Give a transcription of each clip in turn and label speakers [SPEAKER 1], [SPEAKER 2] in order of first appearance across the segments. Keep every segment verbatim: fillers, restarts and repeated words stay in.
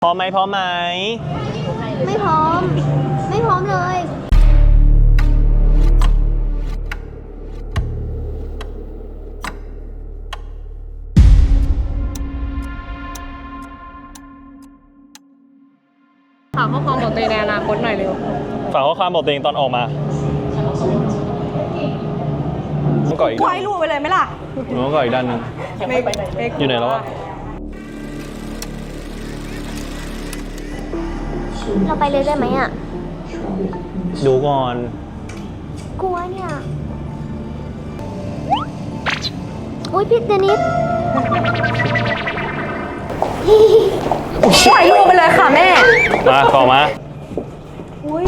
[SPEAKER 1] พร้อมไหมพร้อมไหม
[SPEAKER 2] ไม่พร้อมไม่พร้อมเลย
[SPEAKER 3] ฝากข้อความบอกตัวเองในอนาคตหน่อยเร็ว
[SPEAKER 1] ฝากข้อความบอกตัวเองตอนออกมาต้องก่ออีก
[SPEAKER 3] ไว้รูไปเลยไหมล่ะ
[SPEAKER 1] ต้องก่ออีกด้านนึงอยู่ไหนแล้วอะ
[SPEAKER 2] เราไปเลยได้ไหมอ่ะ
[SPEAKER 1] ดูก่อน
[SPEAKER 2] กลัวเนี่ยอุ้ยพี่เดนิส
[SPEAKER 3] ปล่อยลูกไปเลยค่ะแม่
[SPEAKER 1] มาต่อมา
[SPEAKER 3] อุ้ย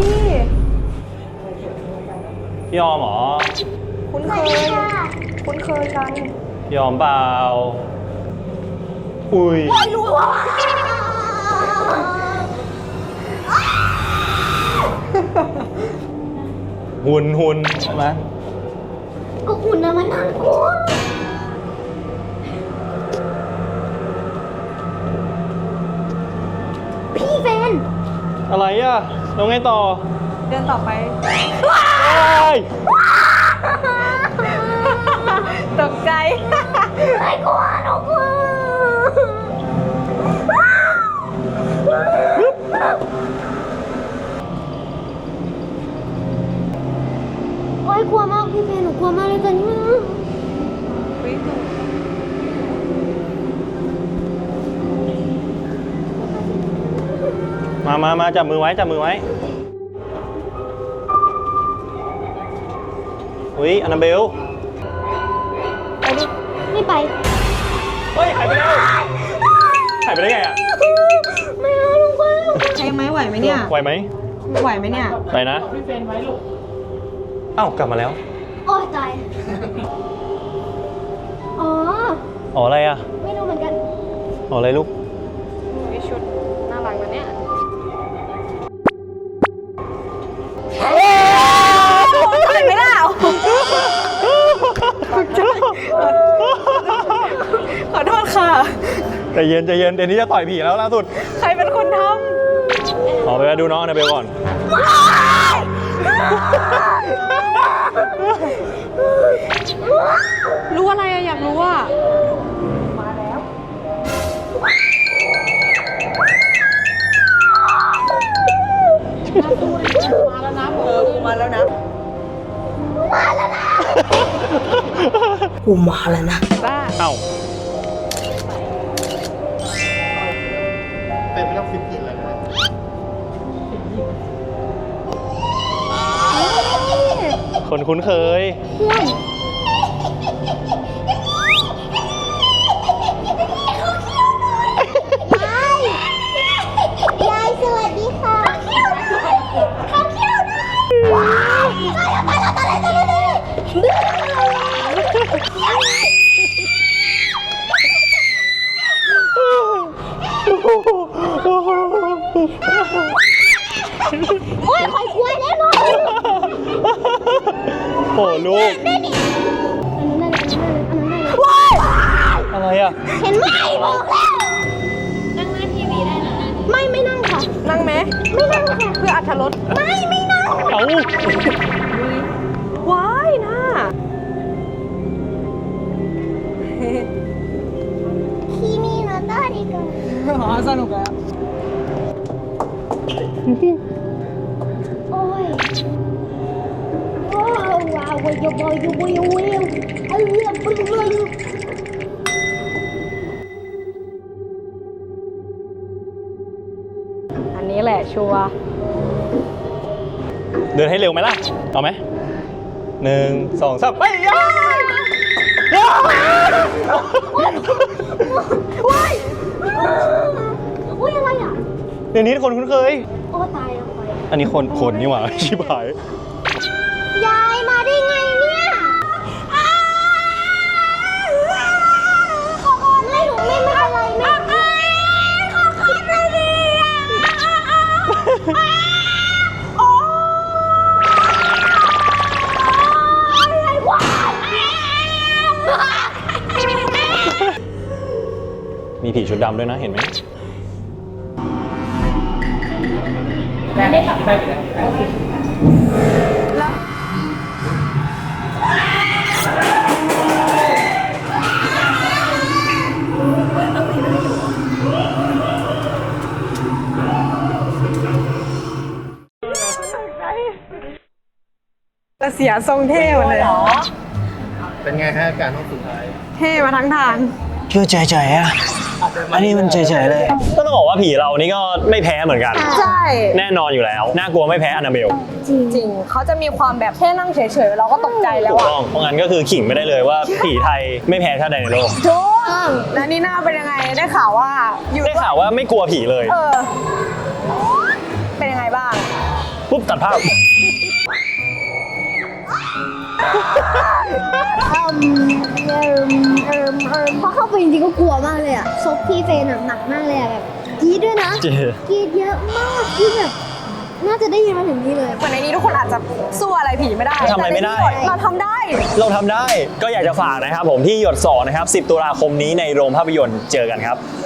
[SPEAKER 1] พี่ออมเหรอ
[SPEAKER 3] คุ้นเคยคุ้นเคยกัน
[SPEAKER 1] พี่ออมเปล่าอุ้ย
[SPEAKER 3] ปล่อยลูกว่ะ
[SPEAKER 1] หุ่นหุ่นใช่ไหม
[SPEAKER 2] ก็หุ่นนะมันน่ากลัวพี่เฟน
[SPEAKER 1] อะไรอ่ะแล้วไงต่อ
[SPEAKER 3] เดินต่อไปตกใจ
[SPEAKER 2] ไม่กลัวหนูกลัวโอ๊ยกลัวมากพี่เฟนหนูกลัวมากเลยตอนนี้
[SPEAKER 1] มามามาจับมือไว้จับมือไว้อุ้ยอันนาเบล
[SPEAKER 2] ไปดิไม่ไป
[SPEAKER 1] เฮ้ยหายไปแล้วหายไปได้ไงอ่ะ
[SPEAKER 2] ไม่เอาลูกไป
[SPEAKER 3] ใช่ไหมไหวไหมเนี่ย
[SPEAKER 1] ไหวไหม
[SPEAKER 3] ไหวไหมเนี่ย
[SPEAKER 1] ไปนะพี่เฟนไว้ลูกเอ้ากลับมาแล้ว
[SPEAKER 2] โอ้ตายอ๋อ
[SPEAKER 1] อ๋ออะไรอ่ะ
[SPEAKER 2] ไม่รู้เหมือนกัน
[SPEAKER 1] อ๋ออะไรลูก
[SPEAKER 3] มีชุดน่ารักนะเนี่ยเห็นไหมล่ะขอโทษค่ะ
[SPEAKER 1] ใจเย็นใจเย็นเดี๋ยวนี้จะต่อยผีแล้วล่าสุด
[SPEAKER 3] ใครเป็นคนท
[SPEAKER 1] ำขอไปดูน้องอันนาเบลก่อน
[SPEAKER 3] รู้อะไรอะอยากรู้ว่ามาแล้วมาแล้วนะเออมาแล้วนะ
[SPEAKER 2] มาแล้วนะ
[SPEAKER 3] กูมาแล้วนะบ้า
[SPEAKER 1] เอ้า
[SPEAKER 4] เป็นไม่ต้องฟิตกินแล้วนะ
[SPEAKER 1] คนคุ้นเคย
[SPEAKER 2] ยายยายสวัสดีค่ะข้าวเขี้ยวด้วยว้าวตายแล้วตายแล้วตายแล้วตายแล้วโอ้ยคอยกลัวแน่นอน
[SPEAKER 1] โอ้ลูก
[SPEAKER 2] อันนั้นได้เลยอันนั้นได้เลย
[SPEAKER 1] ว้ายอะไรอ่ะ
[SPEAKER 2] เห็นไหมบอกแล้วนั่งหน้าทีวีได้นะไม่ไม่นั่งค่ะ
[SPEAKER 3] นั่งไหม
[SPEAKER 2] ไม่นั่งค่ะ
[SPEAKER 3] เพื่ออรรถรส
[SPEAKER 2] ไม่ไม่นั่ง
[SPEAKER 1] เอ้า
[SPEAKER 3] ว้ายน่า
[SPEAKER 2] คีมีโนโตะดีกว่า
[SPEAKER 3] อ๋อสนุกแล้ว
[SPEAKER 2] โอ้ยว้าวว้าวว้าวว้าวว้าวว้าวว้าวเอาเรื่องไปเลย
[SPEAKER 3] อันนี้แหละชัวร์
[SPEAKER 1] เดินให้เร็วไหมล่ะเอาไหมหนึ่งสองสามไปย่าย่า
[SPEAKER 2] ว้ายอุ้ยอะไรอ่ะ
[SPEAKER 1] เดี๋ยวนี้คนคุ้นเคย
[SPEAKER 2] โอ้ตายแล้ว
[SPEAKER 1] อันนี้คนคนนี่หว่าชิบหาย
[SPEAKER 2] ยายมาได้ไงเนี่ยขอขอไม่หนูไม่ไม่อะไรไม่ขอขอหน่อยดิโอ้ยว้าว
[SPEAKER 1] มีผีชุดดำด้วยนะเห็นไหม
[SPEAKER 3] แต่เสียทรงเท่หมดเลย
[SPEAKER 4] เป็นไงฮะการห้องสุดท้าย
[SPEAKER 3] เท่มาทั้งทาง
[SPEAKER 1] เชื่อใจใจอะอันนี้มันใจใจเลย ก็ต้องบอกว่าผีเรานี่ก็ไม่แพ้เหมือนกัน
[SPEAKER 3] ใช่
[SPEAKER 1] แน่นอนอยู่แล้ว น่ากลัวไม่แพ้อนาเบล
[SPEAKER 3] จริงเขาจะมีความแบบแค่นั่งเฉยๆเราก็ตกใจแล้
[SPEAKER 1] ถู
[SPEAKER 3] ว
[SPEAKER 1] ก
[SPEAKER 3] อะ
[SPEAKER 1] ต้อง เพราะงั้นก็คือขิงไม่ได้เลยว่าผีไทยไม่แพ้ชาติใดในโลก
[SPEAKER 3] ทุกแล้วนี่หน้าเป็นยังไงได้ข่าวว่าอยู่
[SPEAKER 1] ได้ข่าวว่าไม่กลัวผีเลย
[SPEAKER 3] เออ เป็นยังไงบ้าง
[SPEAKER 1] ปุ๊บตัดภาพ
[SPEAKER 2] เอิมเอิมเอิมเอิมพอเข้าไปจริงๆก็กลัวมากเลยอะซบพี่เฟนหนักมากเลยอะแบบกรีดด้วยนะ
[SPEAKER 1] จริง
[SPEAKER 2] กรีดเยอะมากที่แบบน่าจะได้ยินมาถึงนี่เลย
[SPEAKER 3] เหมือนในนี้ทุกคนอาจจะสู้อะไรผีไม่ได้
[SPEAKER 1] ทำอะไรไม่ได้
[SPEAKER 3] แต่ในนี้เราทำได้
[SPEAKER 1] เราทำได้ ก็อยากจะฝากนะครับผมที่หยดสองนะครับสิบตุลาคมนี้ในโรงภาพยนตร์เจอกันครับ